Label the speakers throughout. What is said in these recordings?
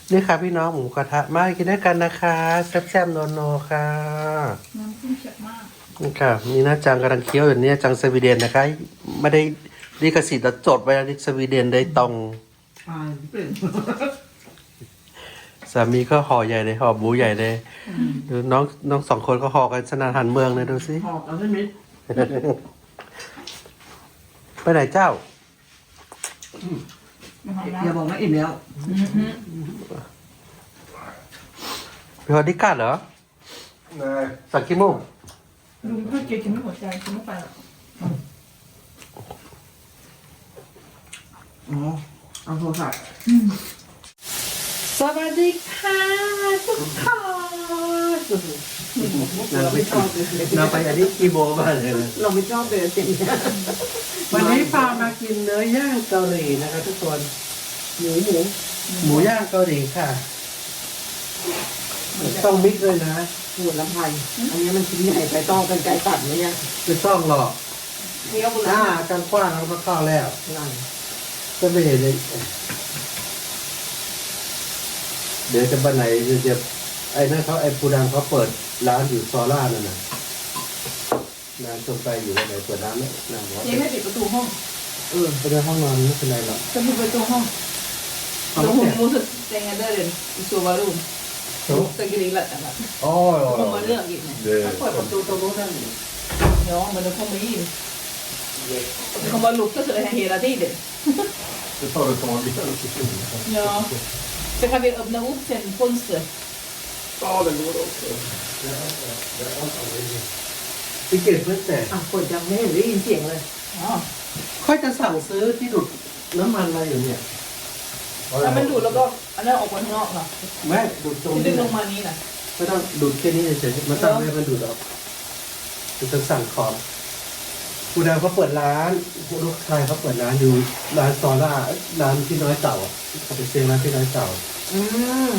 Speaker 1: นี่ค่ะพี่น้องหมูกระทะมากินด้วยกันนะคะแซ่บๆโนๆค่ะ
Speaker 2: น้ำจิ้มเผ็ดมาก
Speaker 1: นี่ค่ะมีหน้าจังกำลังเคี้ยวอยู่เนี่ยจังสวีเดนนะคะไม่ได้ลิขสิทธิ์แต่จดไว้ลิสวีเดนได้ตรงสามีก็ห่อใหญ่เลยห่อหมูใหญ่เลยดูน้องสองคนก็ห่อกันสนานหันเมืองเลยดูสิ
Speaker 3: หอบเอาใช่ไหม
Speaker 1: ไปไหนเจ้า
Speaker 3: อย่าบอกว่าอิ่มแล้ว
Speaker 1: พี่ฮอดดิกัดเหรอ
Speaker 4: Nej.
Speaker 1: สักกี่โมง
Speaker 2: ลุงถ้าเกกินไม่หมดใจกินไม่ไปหรอก
Speaker 3: อ๋อเอาโทรศัพท์
Speaker 2: สวัสดีค่ะทุกคน
Speaker 3: เราไม่ชอบเลย
Speaker 1: เราไปอันนี้กีโบมาเลย
Speaker 3: เราไม่ชอบเลยสิ่งนี้
Speaker 1: วันนี้พามากินเนื้อย่างเกาหลีนะคะทุกคนหมูย่างเกาหลีค่ะ ต้องมิกซ์ด้วยนะ
Speaker 3: ปวดลำไส้อันนี้มันชิ้นใหญ่ไปต้องเป็นไก่ตัดไหมเนี่ย
Speaker 1: ไม่ต้องหรอก
Speaker 3: เคี้ยวบุห
Speaker 1: อ่า
Speaker 3: รี่
Speaker 1: การกว้างเราก็เข้าแล้ว
Speaker 3: นั่น
Speaker 1: ก็ไม่เห็นเลยเดี๋ยวจะไปไหนจะไอ้นั่นเขาไอ้ปูดังเขาเปิดร้านอยู่ซอล่านั่นน่ะร้านตรงไปอยู่ไหนเปิดร้านไหมร้านวะ
Speaker 2: เจ๊ไม่ปิดประตูห้อง
Speaker 1: ไปในห้องนอนไม่เป็นไรหรอก
Speaker 2: จะปิดประตูห้อง
Speaker 1: เอา
Speaker 2: ลุง
Speaker 1: ไม่
Speaker 2: หุ่น
Speaker 1: เสร็จ
Speaker 2: มูสเตงเดอร์เรนอีสัววารุมตะกี้นี้แหละแต่แบบ
Speaker 4: Ja,
Speaker 2: คงมา
Speaker 4: ja,
Speaker 2: เลือกอีกเนี่ย
Speaker 4: Det
Speaker 3: เปิดประตูตรงนู้นนั่น
Speaker 2: เดี๋ยวมันจะคงไม่ยินเขามาลุกก็คือให้เฮราที่เด็ด
Speaker 4: det tar ett tag innan det försvinner.
Speaker 2: Ja så kan vi öppna upp sen fönstret
Speaker 4: Ja, det går också.
Speaker 1: พี่เกดเพื่อนแต่
Speaker 3: อ่ะกดยังไม่เห็นได้ยินเสียงเลย
Speaker 2: ja
Speaker 1: ค่อยจะสั่งซื้อที่ดูดน้ำมันมาอยู่เนี่ย
Speaker 2: ถ้ามันดูดแล้วก็อันนั้นออกมาข้างนอกเนาะ
Speaker 1: แม่ดูดตรง
Speaker 2: ที่ดึ
Speaker 1: นี้
Speaker 2: งล
Speaker 1: นะ
Speaker 2: งมานี้นะ
Speaker 1: ไม่ต้องดูดแค่นี้เฉยๆมันตั้งไว้มันดูดออกจะสั่งของปูดาวเขาเปิดร้านลูกชายเขาเปิดร้านอยู่ร้านซอล่าร้านพี่น้อยเต่าอ่ะเขาไปเซ็งร้านพี่น้อยเต่า
Speaker 3: อืม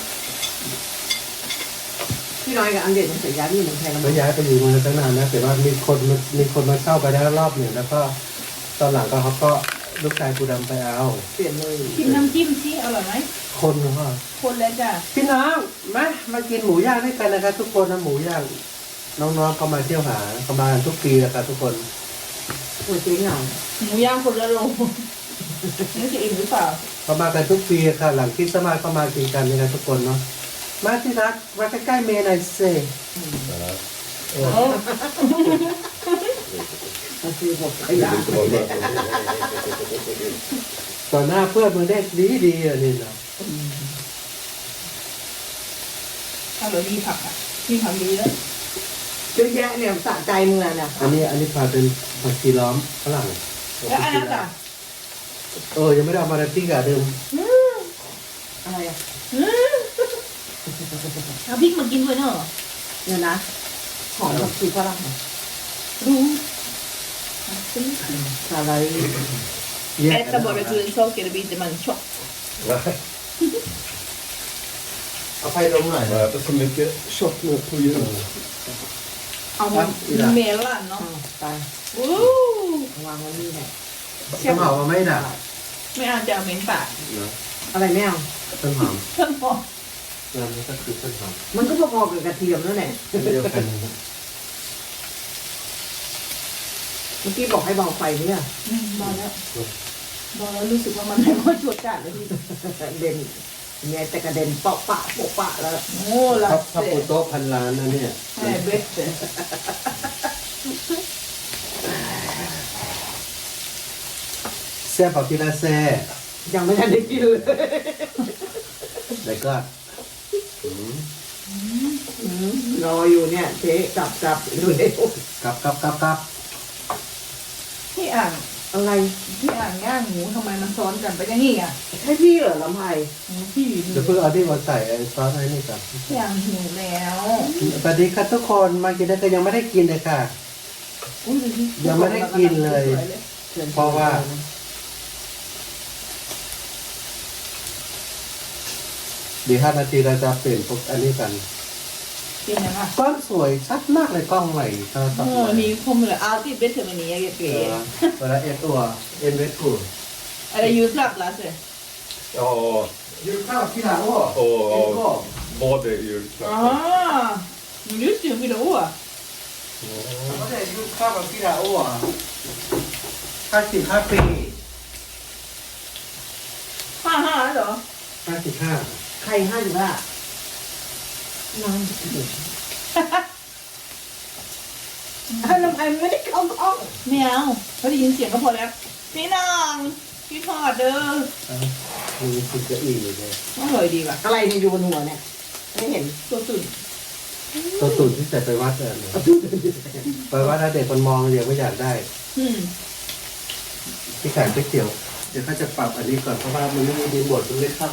Speaker 3: พี่น้อยกับอันเด็ดมันเสียย้ายที่เมืองไทยแล้ว
Speaker 1: แล้วย้ายไปอยู่เมืองตั้งนานนะแต่ว่ามีคนมาเข้าไปได้รอบหนึ่งแล้วก็ตอนหลังก็เขาก็ลูกชายปูดำไปเอา
Speaker 3: เปลี่ยนเลย
Speaker 2: ชิมน้ำจิ้มสิอร่อยไหม
Speaker 1: คนเขาว่า
Speaker 2: คนแล้วจ้ะ
Speaker 1: พี่น้องมากินหมูย่างด้วยกันนะครับทุกคนนะหมูย่างน้องๆเขามาเที่ยวหาเขามากันทุกปีนะครับทุกคน
Speaker 3: ปวดเจ๊งเหงา
Speaker 2: หมูย่างคนละโลนี่จะอิ่มหรือเปล่า
Speaker 1: เขามากันทุกปีค่ะหลังคริสต์มาสเขามากินกันนะครับทุกคนเนาะมาที่รักมาใกล้ๆเมย์หน่อยสิ
Speaker 3: มันคือหมดขยะ
Speaker 4: Det var bra.
Speaker 1: ต่อหน้าเพื่อนมึงได้ดีอ่ะนี่นะ
Speaker 2: ถ้าเรามีผักอ่ะมีผักดีแล้ว
Speaker 3: เยอะแยะเนี่ยสะใจมึงเลยเนี่ย
Speaker 1: อันนี้พาเป็นผักชีล้อมฝรั่ง
Speaker 2: แล้วอันนั้นอ่ะ
Speaker 1: ยังไม่ได้เอามาในที่กะเดิม
Speaker 3: อะไรอ่ะ
Speaker 2: เอาพริกมากินด้วยเนอะ
Speaker 3: เนี่ยนะหอมกับสีฝรั่ง
Speaker 2: รู้
Speaker 3: อะไร
Speaker 2: Äta bara grön saker blir inte man tjock.
Speaker 4: Nej,
Speaker 1: เอาไฟลงหน่อย
Speaker 4: jag äter så mycket kött nu på jul.
Speaker 2: เอาเมล่าเนาะ
Speaker 3: ไป
Speaker 2: โอ้
Speaker 3: วางไว้นี่แหละ
Speaker 1: ต้นหอมมาไม่ด่า
Speaker 2: ไม่เอาจะเอาเหม็นปาก
Speaker 1: เนาะ
Speaker 3: อะไรไม่เอา
Speaker 1: ต้นหอม
Speaker 2: ท่านบอก
Speaker 1: งานนี้ก็คือต้นหอม
Speaker 3: มันก็พอๆกับกระเทียมนั่นแหละ
Speaker 1: เดียวกัน
Speaker 3: เมื่อกี้บอกให้เบาไฟเนี่ย
Speaker 2: บอกแล้วรู้สึกว่ามันไม่ค่อยชวดจัดเลยพี่
Speaker 3: เด่นเนี่ยแต่กระเด็นเปาะปะโปะปะแล้ว
Speaker 2: โอ้ลั
Speaker 1: ถ้า
Speaker 2: เส
Speaker 1: ปูโต๊ะพันล้านนะเนี่ย
Speaker 2: แม่เบสเสร็จ
Speaker 1: แซ่บเอาทีละแซ่
Speaker 3: ยังไม่ทันได้กินเลย
Speaker 1: แล้วก็
Speaker 3: รออยู่เนี่ยเจ๊กลับเร็ว
Speaker 1: กลับ
Speaker 2: พี่อ่าง
Speaker 3: อะไร
Speaker 2: พี่อ่างย่างหมูทำไมมันซ้อนกันไปอย่างนี้อ่ะ
Speaker 3: ให้พี่เหรอลำไพ
Speaker 2: พี่
Speaker 1: เดี๋ยวเพิ่งเอาที่มาใส่ไอ้ซอสไอ้นี่ก่อน
Speaker 2: พี่อ่างหิวแล้ว
Speaker 1: สวัสดีครับทุกคนมากินได้ก็ยังไม่ได้กินเลยค่ะ ยังไม่ได้กินเลย เพราะว่า เดี๋ยว5 นาทีเราจะเปลี่ยนพวกอันนี้กัน
Speaker 2: เป็นยังไง
Speaker 1: กล้องสวยชัดมากเลยกล้องใหม่โทรศัพท์
Speaker 2: โอ้
Speaker 1: ใหม่
Speaker 2: นี่คมเลยอาร์ติเบสเทอร์มันนี่เก๋
Speaker 1: เวลาเอตัวเอ็นเวสกู
Speaker 2: อะไรยูสลับล่ะเสร็จ
Speaker 4: Ja,
Speaker 1: julklapp till alla år.
Speaker 4: Och både julklappar.
Speaker 2: อ๋อหนูยืดเสียงพี่ดาวอ่ะ
Speaker 1: Ja, det är julklapp till alla år. 55 ปี
Speaker 2: 55แล้วเหรอ
Speaker 1: 55
Speaker 3: ใครให้หรือว่าน้องทำไมไม่ได้เข้าห้อง
Speaker 2: ไม่เอาเขาได้ยินเสียงก็พอแล้วพี่น้องพี่ทอดเด้อ
Speaker 1: มีสิจะอีกเลย
Speaker 2: อร่อยดีว่ะ
Speaker 3: อะไรเนี่ยอยู่บนหัวเนี่ยไม่เห็น
Speaker 2: ตัวตุ่น
Speaker 1: ตัวตุ่นที่ใส่ไปวัดไปวัดถ้าเด็กมันมองเดี๋ยวไม่อยากได้
Speaker 2: อืม
Speaker 1: ที่ขายก๋วยเตี๋ยวเดี๋ยวเขาจะปรับอันนี้ก่อนเพราะว่ามันไม่มีดีบทมันไม่เข้า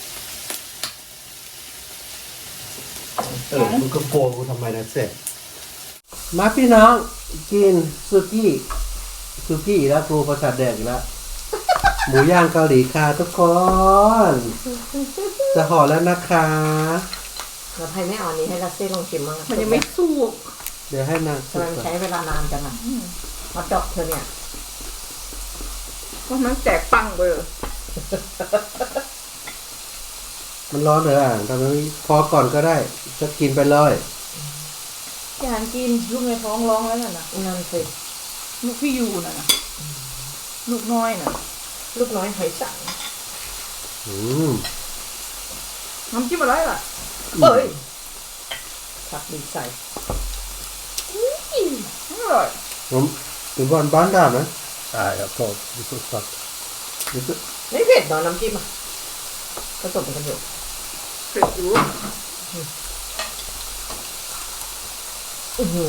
Speaker 1: มันก็โกงกูทำไมนะเสร็จมาพี่น้องกินซูกี้แล้วครูประสาทแดกอีกแล้ว หมูย่างเกาหลีค่ะทุกคนจะห่อแล้วนะคะ
Speaker 3: เราไทยไม่เอาอันนี้ให้ลัสเซ่ลองชิมมั้ง
Speaker 2: มันยังไม่สุก
Speaker 1: เดี๋ยวให้นาง
Speaker 3: ทำไมมันใช้เวลานานจังอ่ะฮอตดอกเธอเนี่ย
Speaker 2: เพราะมันแตกปังไปเลย
Speaker 1: มันร้อนเลยอ่ะทำไมพอก่อนก็ได้จะกินไปเลย
Speaker 2: อยากกินลูกในท้องร้องแล้วน่ะนะ
Speaker 3: นั่นสิ
Speaker 2: ลูกพี่ยูน่ะนะลูกน้อยน่ะ
Speaker 3: ลูกน้อยหอยสัง
Speaker 1: อืม
Speaker 2: น้ำจิ้มอะไรล่ะ
Speaker 3: เอ้ยผักดีใส่
Speaker 2: อร่อย
Speaker 1: ผมถึงก่อนบ้านได้ไหม
Speaker 4: Nej, jag tar det så snabbt.
Speaker 3: ไม่เผ็ดเนาะน้ำจิ้มอ่ะผสมกันอยู่
Speaker 2: เผ็ดอยู่
Speaker 3: อื้อหือ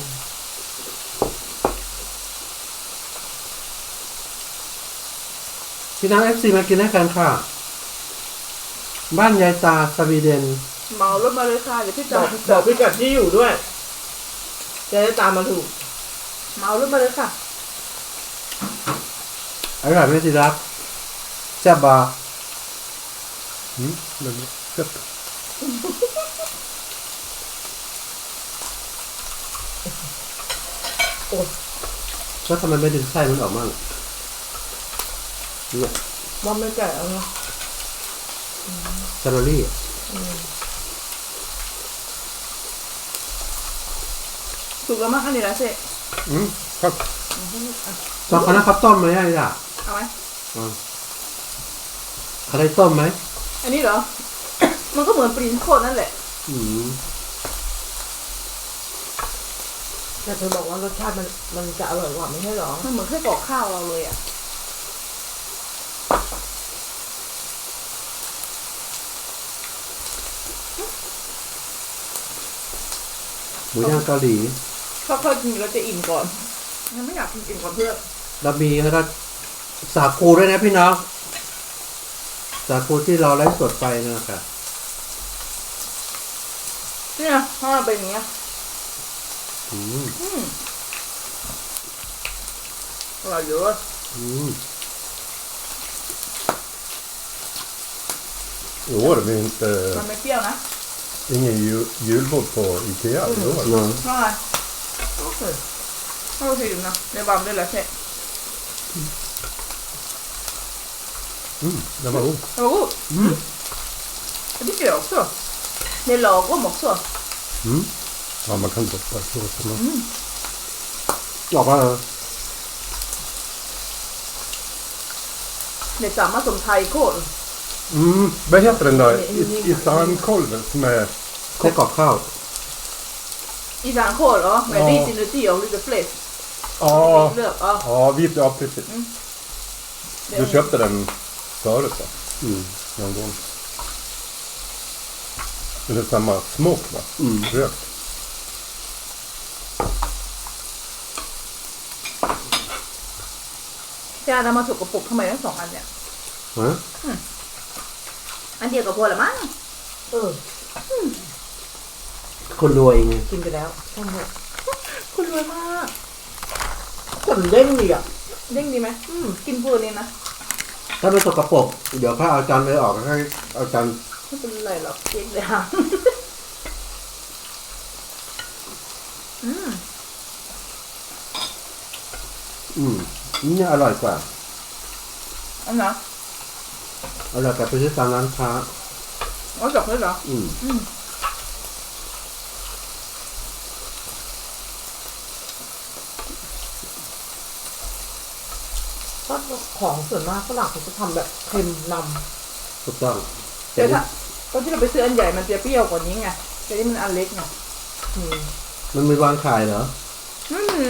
Speaker 1: พี่น้อง FC มากินด้วยกันค่ะ บ้านยายตาสวีเดน
Speaker 2: เมารถมาเลยค่ะเดี๋ยวพี่
Speaker 3: บ
Speaker 2: จอ
Speaker 3: อ
Speaker 2: ด
Speaker 3: กบอกพี่กัดที่อยู่ด้วย จะได้ตามมาถูก
Speaker 2: เมารถมาเลยค่ะ
Speaker 1: อร่อยไหมสิรักแซ่บบ่
Speaker 4: Mm, men gött.
Speaker 1: แล้วทำไมไม่ดึงไส้มันออกมั่งเนี่ย
Speaker 3: ว่าไม่แก่แล้วเนาะ
Speaker 1: แคลอรี่
Speaker 2: สุกแล้วมั้งอันนี้ละเซ่
Speaker 4: Mm, tack.
Speaker 1: ตอนเขานั้นเขาต้มไหมอ่ะล่ะ
Speaker 2: เอาไหม
Speaker 1: เขาได้ต้มไหม
Speaker 2: อันนี้เหรอ มันก็เหมือนปรินโคตรนั่นแหละ
Speaker 1: อืม
Speaker 3: แต่เธอบอกว่ารสชาติมันจะอร่อยกว่าไม่ใช่หรอ
Speaker 2: มันเหมือนไส้กรอกข้าวเราเลยอ่ะ
Speaker 1: หมูย่างเกาหลี
Speaker 2: ค่อยๆกินเราจะอิ่มก่อนยังไม่อยากกินอิ่มก่อนเพื่อน
Speaker 1: แล้วมีแล้วก็สาคูด้วยนะพี่น้องสาคูที่เราไลฟ์สดไปนะครับ
Speaker 2: เนี่ยถ้ามันเป็นอย่างเงี้ย
Speaker 1: อืม
Speaker 2: อร่อยเยอะ
Speaker 1: อืม
Speaker 4: I år är vi inte,
Speaker 2: มันไม่เปรี้ยวนะ
Speaker 4: ingen julbord på Ikea i år.
Speaker 1: เนาะ
Speaker 2: อร่อยโอเคอร่อยถึงนะในบามด้วยแหละเช่
Speaker 4: Mm, den var god.
Speaker 2: โอ้โห
Speaker 1: Mm.
Speaker 2: Det tycker jag också. Det är lagom också.
Speaker 4: Mm. Ja, man kan doppa i såsen. Mm.
Speaker 1: ออกมาเลย
Speaker 2: Det är samma som thai-kål.
Speaker 4: Mm, vad heter den där isankolven som är
Speaker 1: ไส้กรอกข้าว
Speaker 2: Isan-kål, ja. Med
Speaker 4: Ja.
Speaker 2: ris inuti och lite fläsk.
Speaker 4: Ja,
Speaker 2: Lök, ja.
Speaker 4: ja, ja precis.
Speaker 2: Mm.
Speaker 4: Du köpte den förut va?
Speaker 1: อืม
Speaker 4: Någon gång. Men det är samma smak va?
Speaker 1: Mm.
Speaker 4: Rökt.
Speaker 2: Thế là mà thuộc của phục không phải sòng ăn nè.
Speaker 1: ฮะ
Speaker 2: Ăn nhiều cả vừa là mát.
Speaker 3: เออ
Speaker 1: คนรวยไง
Speaker 3: กินไปแล้วช่างเถอะ
Speaker 2: คุณรวยมาก
Speaker 3: ขนเด้งดีอ่ะ
Speaker 2: เด้งดีไหมกินเพื่อนี่นะ
Speaker 1: ถ้าไม่สกปรกเดี๋ยวเขาเอาจานเลยออกแล้วให้เอาจาน
Speaker 2: ไม่เป็นไรหรอกเจ๊เลยค่ะ
Speaker 1: อืมนี่อร่อยกว่า
Speaker 2: อันนะ
Speaker 1: เอาเรากลับไปซื้อตามร้านค้า
Speaker 2: อ๋อจบเลยเหรอ
Speaker 1: อืม
Speaker 3: ก็ของส่วนมากฝรั่งเขาจะทำแบบเค็มน
Speaker 1: ถูกต้อง
Speaker 2: แต่ถ้าตอนที่เราไปซื้ออันใหญ่มันจะเปรี้ยวกว่านี้ไงแต่นี่มันอันเล็กไง
Speaker 3: ำอืม
Speaker 1: มันมีวางขายเหรอ
Speaker 2: อืม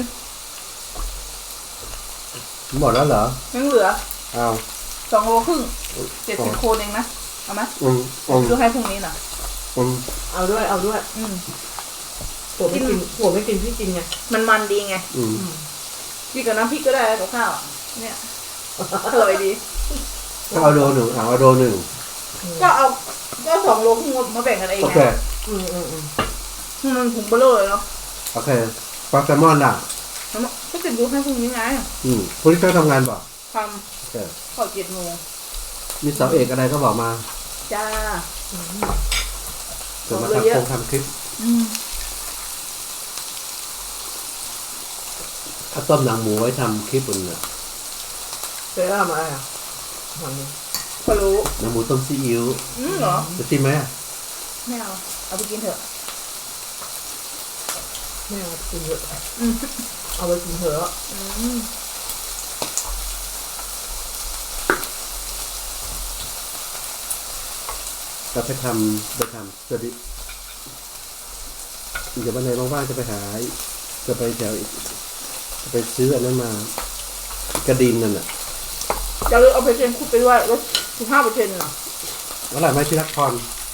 Speaker 1: หมดแล้วเหรอ
Speaker 2: ยังเหลือ
Speaker 1: อ้าว
Speaker 2: 2 โลครึ่ง70 โคนเองนะเอาไหม
Speaker 1: อืมอืม
Speaker 2: ซื้อให้พรุ่งนี้น่ะ
Speaker 1: อืม
Speaker 3: เอาด้วยเอาด้วย
Speaker 2: อืม
Speaker 3: ผัวไม่กินพี่กินไง
Speaker 2: มันดีไง
Speaker 1: อืม
Speaker 2: พี่กับน้ำพริกก็ได้กับข้าวอะเนี่ยอร่อยดี
Speaker 1: ก็เอาโลหนึ่งเอาโลหนึ่ง
Speaker 2: ก็เอาก็2 โลครึ่งมาแบ่งกันเอง
Speaker 1: โอ
Speaker 2: ไง
Speaker 1: เค
Speaker 2: มันถุงเบลอเลยเนาะ
Speaker 1: โอเคปลาแซลมอนล่ะ
Speaker 2: แล้วมันก็จะดูให้พรุ่งนี้ไง
Speaker 1: พรุ่งนี้ต้องทำงานบ่
Speaker 2: ท
Speaker 1: โอเค
Speaker 2: ำข้าว7 โมง
Speaker 1: มีเสาเอกอะไรก็บอกมา
Speaker 2: จ้า
Speaker 1: เดี๋ยวมา
Speaker 2: บอกเลยเยอะ
Speaker 1: ทำคลิป
Speaker 2: อืม
Speaker 1: ถ้าต้มหนังหมูไว้ทำคลิปบนเนี่ย
Speaker 3: เจ๊ทำอะไรอ่ะทำนี่
Speaker 2: พอรู้
Speaker 1: หนังหมูต้มซีอิ๊ว
Speaker 2: เหรอ
Speaker 1: จะชิมไหมอะ
Speaker 2: ไม่เอาเอาไปกินเถอะ
Speaker 3: ไม่เอากินเถอะ
Speaker 2: อืม
Speaker 3: เอาไปกินเถอะ
Speaker 2: อืม
Speaker 1: เราไปทำสวัสดีเดี๋ยววันไหนว่างๆจะไปหาจะไปแถวจะไปซื้ออันนั้นมากระดินนั่นน่ะ
Speaker 2: อย่าลืมเอาไปเทนคุดไปด้วยลด15%น่ะ
Speaker 1: อร่อยไหมที่รักพร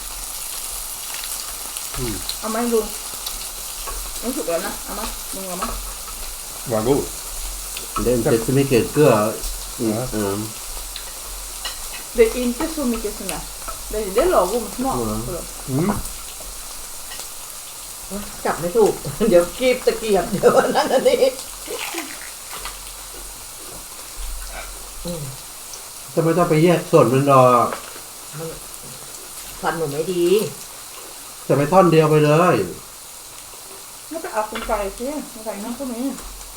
Speaker 2: เอามาให้ดูมันสุกแล้วนะเอามามึงเอามา
Speaker 4: Vad god.
Speaker 1: Det är inte så mycket gurka.
Speaker 2: Det är inte så mycket sån där. Det är lagom smak.
Speaker 4: Mm.
Speaker 3: จับไม่ถูก เดี๋ยวกีบตะเกียบเดี๋ยวอันนั้นอันนี้
Speaker 1: จะไม่ต้องไปแยกส่วนมันหรอก
Speaker 3: มันฟันหนูไม่ดี
Speaker 1: จะไปท่อนเดียวไปเลย
Speaker 2: Nó phải ọc con cày chứ, con cày nó có mấy.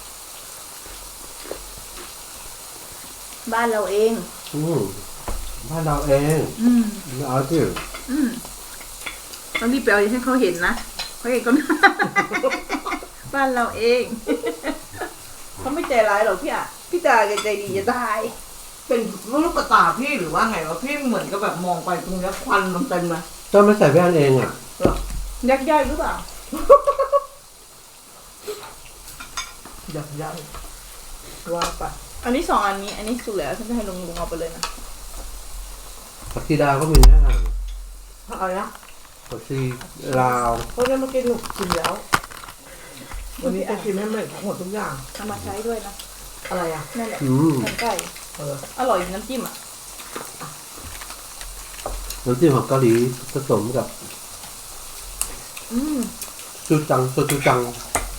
Speaker 2: บ้านเราเอง
Speaker 1: บ้านเราเอง เอาสิ
Speaker 2: ต้องรีบไปเอาให้เขาเห็นนะเขาเห็นก็ บ้านเราเอง เขาไม่ใจร้ายหรอกพี่อ่ะพี่ตาแกใจดีจะตาย
Speaker 3: เป็นลูกกระตาพี่หรือว่าไงวะพี่เหมือนกับแบบมองไปตรงนี้ควันมันเต็มเลย
Speaker 1: ต้องไม่ใส่แว่นเองอ่ะ
Speaker 2: ยักย้ายหรือเปล่า
Speaker 3: ยับยั้งว่าไป
Speaker 2: อันนี้2 อันนี้ อันนี้สุกแล้วฉันจะให้ลุงเอาไปเลยนะ
Speaker 1: ผักชีดาวก็มีนะ
Speaker 3: อะไรนะ
Speaker 1: ผักชีลาว
Speaker 3: เพราะงั้นเมื่อกี้หนูกินแล้ว วันนี้จะกินไม่เหมือนทั้งหมดทุกอย่าง
Speaker 2: เอามาใช้ด้วยนะ
Speaker 3: อะไรอ่ะ
Speaker 2: นั่นแหละ
Speaker 1: อืม
Speaker 2: น้ำไก่ อร่อยน้ำจิ้มอ่ะ
Speaker 1: น้ำจิ้มของเกาหลีผสมกับจูจังโซจูจัง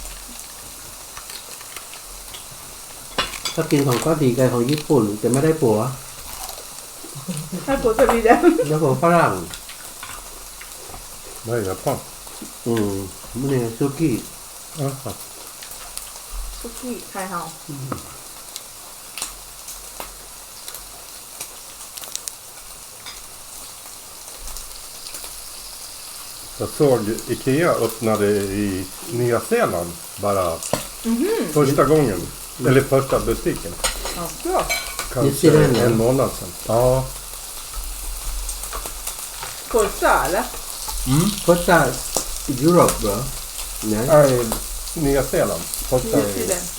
Speaker 1: ถ้ากินของเกาหลีกับของญี่ปุ่นจะไม่ได้ผัว
Speaker 2: ให้ผัวสวีเดน
Speaker 1: แล้วผัวฝรั่ง
Speaker 4: Vad är Japan?
Speaker 1: มันเนี่ยซูกี้
Speaker 4: Jaha.
Speaker 2: ซุกี้ไทยเฮา
Speaker 4: Jag såg Ikea öppnade i Nya Zeeland bara första gången. Eller första butiken.
Speaker 2: ก็
Speaker 4: Kanske en månad sedan. Ja.
Speaker 2: โคตรสาแล้ว
Speaker 1: ก็จะยุโรปเหรอเนี่ย
Speaker 4: Nej, Nya Zeeland. Första
Speaker 2: นิวซีแลนด์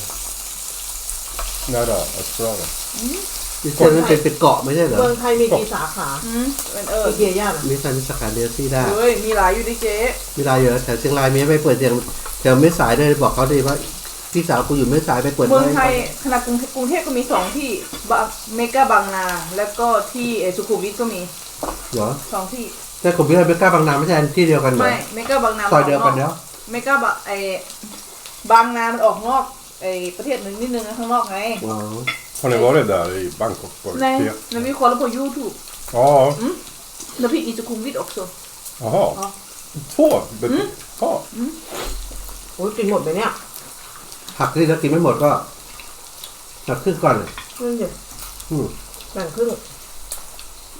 Speaker 4: nära Australien.
Speaker 1: ดิเซนมันเป็นเกาะไม่ใช่เหรอ
Speaker 3: เมืองไทยมีกี่สาขา
Speaker 2: เป็น
Speaker 3: อีเกียย่าน่ะ
Speaker 1: มีสาขาเดียวที่ได้
Speaker 2: เฮ้ยมีหลายอยู่ดิเจ๊
Speaker 1: เวลาเยอะแถวเชียงรายมีไปเปิดแถวไม่สายเลยบอกเขาดีว่าพี่สาวกูอยู่ไม่สายไปเปิด
Speaker 2: เมืองไทยขนาดกรุงเทพก็มี2 ที่เมกาบางนาแล้วก็ที่สุขุมวิทก็มี
Speaker 1: เหรอ
Speaker 2: 2 ที่
Speaker 1: แต่ผมพี่ไปกล้าบางนาไม่ใช่ที่เดียวกันเหรอ
Speaker 2: ไม่เมกาบางนา
Speaker 1: ซอยเดียวกันแล้ว
Speaker 2: เมกาบางนามันออกนอกประเทศนึงนิดนึงนะข้างนอกไง
Speaker 1: ว้าว
Speaker 4: Har ni varit där i Bangkok? På
Speaker 2: ใน
Speaker 4: Ikea?
Speaker 2: มันมีคนแล้วpå YouTube
Speaker 4: Ja.
Speaker 2: แล้วพี่อีสุขุมวิท också
Speaker 4: Jaha.
Speaker 2: Ja.
Speaker 4: 2 butiker? Ja.
Speaker 3: โอ้ยกินหมดไหมเนี่ย
Speaker 1: ผักที่เรากินไม่หมดก็หักครึ่งก่อนเลย
Speaker 3: ครึ่งเดียว
Speaker 1: อืม
Speaker 3: แบ่งครึ่ง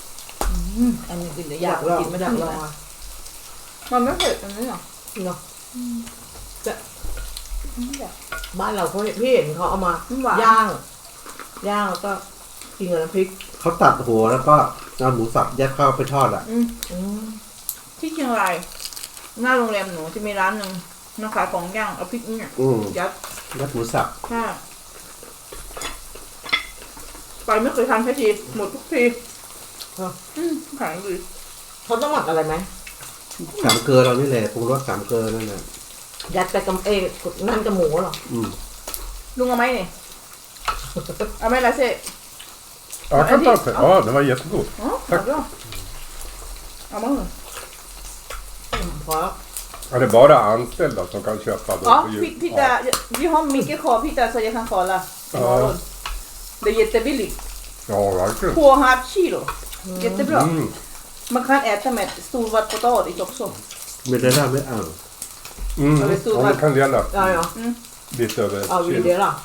Speaker 2: อันนี้กินแต่
Speaker 3: อยาก ก
Speaker 2: อายล
Speaker 3: ล
Speaker 2: อ
Speaker 3: อง
Speaker 2: กินไม่
Speaker 3: อ
Speaker 2: ได้
Speaker 3: ยากล
Speaker 2: เล
Speaker 3: อง
Speaker 2: ย
Speaker 3: อ่ะ
Speaker 2: มันไม่เผ็ดอันนี้หรอ
Speaker 3: เนาะ
Speaker 2: ไม่อยาก
Speaker 3: บ้านเราเขาพี่เห็นเขาเอามา
Speaker 2: หวาน
Speaker 3: ย่างแล้วก็กินกับน้ำพริก
Speaker 1: เขาตัดหัวแล้วก็เอาหมูสับยัดเข้าไปทอดอ่ะ
Speaker 2: อืม
Speaker 3: อืม
Speaker 2: ที่เชียงรายหน้าโรงแรมหนูจะมีร้านหนึ่งน้องขายของย่างเอาพริกเนี่ย
Speaker 1: อืม
Speaker 2: ยัด
Speaker 1: ยัดหมูสับ
Speaker 2: ใช่ไปไม่เคยทานแค่ทีหมดทุกทีขายดี
Speaker 3: เขาต้องหมักอะไรไหม
Speaker 1: สามเกลือเรานี่แหละปรุงรสสามเกลือนั่นแหละ
Speaker 3: ยัดไปกับนั่นกับหมูเหรอ
Speaker 1: อืม
Speaker 2: ลุงเอาไหมเนี่ยเอาไหมล่ะเซ่
Speaker 4: Ja, jag kan ta det. Ja, den var jättegod.
Speaker 2: อ๋อเอาด้วยเอามาเหรอ
Speaker 3: พอ
Speaker 4: Ja, det är bara anställda som kan köpa då
Speaker 2: อ๋อ
Speaker 4: på
Speaker 2: พี่
Speaker 4: jul.
Speaker 2: จะ
Speaker 4: Ja.
Speaker 2: vi har mycket kvar Peter så jag kan kolla imorgon. Det är jättebilligt.
Speaker 4: Ja, verkligen.
Speaker 2: 2,5 kilo. Jättebra.
Speaker 4: Mm.
Speaker 2: Man kan äta med stor potatis också.
Speaker 1: ไม่ได้ไม่เอา
Speaker 4: Mm.
Speaker 2: Ja, det stod
Speaker 4: Ja, det
Speaker 2: här.
Speaker 4: kan dela
Speaker 3: ได้เหรอ
Speaker 4: lite över
Speaker 3: เอา
Speaker 4: ett
Speaker 3: วิ
Speaker 4: kilo.
Speaker 3: เดียวล่ะ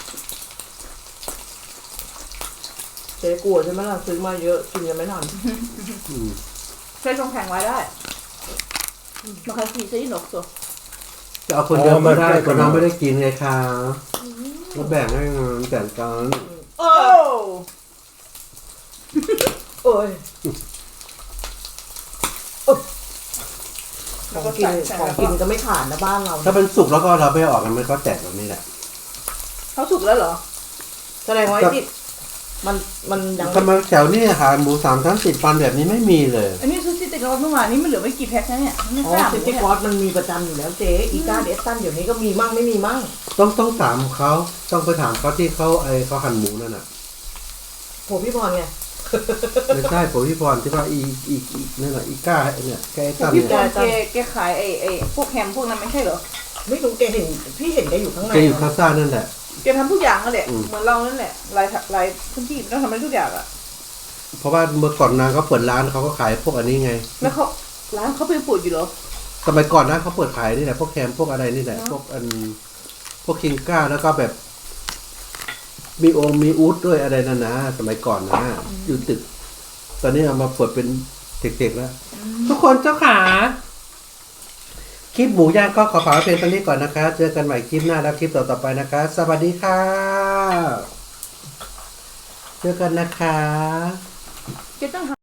Speaker 3: เจ๊กลัวใช่ไหมล่ะซื้อมาเยอะกินยังไม่ทัน
Speaker 2: ใช้ช่องแข็งไว้ได้ Man kan frysa in också.
Speaker 1: จะเอาคนเดียว
Speaker 4: อ๋อ
Speaker 1: ไม่ได้
Speaker 4: ไม่
Speaker 1: คนน้องไม่ได้กินไงคะก็แบ่งให้แบ่งกัน
Speaker 2: โอ้
Speaker 3: โอ้ย
Speaker 2: แล้ว
Speaker 3: ข
Speaker 2: ก็
Speaker 3: องกิน
Speaker 2: ใส่
Speaker 3: ของกินก็ไม่ขาดนะบ้านเรา
Speaker 1: ถ้าเป็นสุกแล้วก็เราไม่ออกกันมันก็แตกแบบนี้แหละ
Speaker 2: เขาสุกแล้วเหรอ
Speaker 3: แสดงว่าไอ้ที่มันยัง
Speaker 1: ทำไมแถวนี้อาหารหมูสามชั้นติดฟันแบบนี้ไม่มีเลย
Speaker 2: อันนี้ซูชิติดกับเมื่อวานนี้มันเหลือไม่กี่แพ็คนะเนี่ยไม่
Speaker 3: อ๋อ
Speaker 2: ทราบ
Speaker 3: ซิตี้
Speaker 2: เนี่ย
Speaker 3: คอร์สมันมีประจำอยู่แล้วเจ๊อีกาเดสตันเดี๋ยวนี้ก็มีมั่งไม่มีมั่ง
Speaker 1: ต้องถามเขาต้องไปถามเขาที่เขาเขาหั่นหมูนั่นน่ะ
Speaker 3: โหพี่พรไง
Speaker 1: ไม่ใช่ผมพี่พรที่ว่าอีนั่นน่ะอีก้าเนี่ยแกไอ้ตั้ม
Speaker 2: พี่
Speaker 1: เนี่ย
Speaker 2: บอลแกขายไอ้พวกแฮมพวกนั้นไม่ใช่เหรอ
Speaker 3: ไม่รู้แกเห็นพี่เห็นแกอยู่ข้างใน
Speaker 1: แกอยู่คาซ่านั่นแหละ
Speaker 2: แกทำทุกอย่างนั่นแหละ
Speaker 1: อืม
Speaker 2: เหมือนเรานั่นแหละลายพื้นที่ต้องทำได้ทุกอย่างอะ
Speaker 1: เพราะว่าเมื่อก่อนนางเขาเปิดร้านเขาก็ขายพวกอันนี้ไง
Speaker 2: แล้วเขาร้านเขาเป็นปุ๋ยอยู่เหรอ
Speaker 1: สมัยก่อนนะเขาเปิดขายนี่แหละพวกแคมพวกอะไรนี่แหละ
Speaker 2: เนอะ
Speaker 1: พวกคิงก้าแล้วก็แบบมีองค์มีอูดด้วยอะไรนั่นนะสมัยก่อนนะอยู่ตึก ตอนนี้เอามาเปิดเป็นเด็กๆแล้ว ทุกคนเจ้าขาคลิปหมูย่างก็ขอฝากไว้เพียงเท่านี้ก่อนนะคะ เจอกันใหม่คลิปหน้าแล้วคลิปต่อๆไปนะคะ สวัสดีค่ะ เจอกันนะคะ
Speaker 2: แกต้อง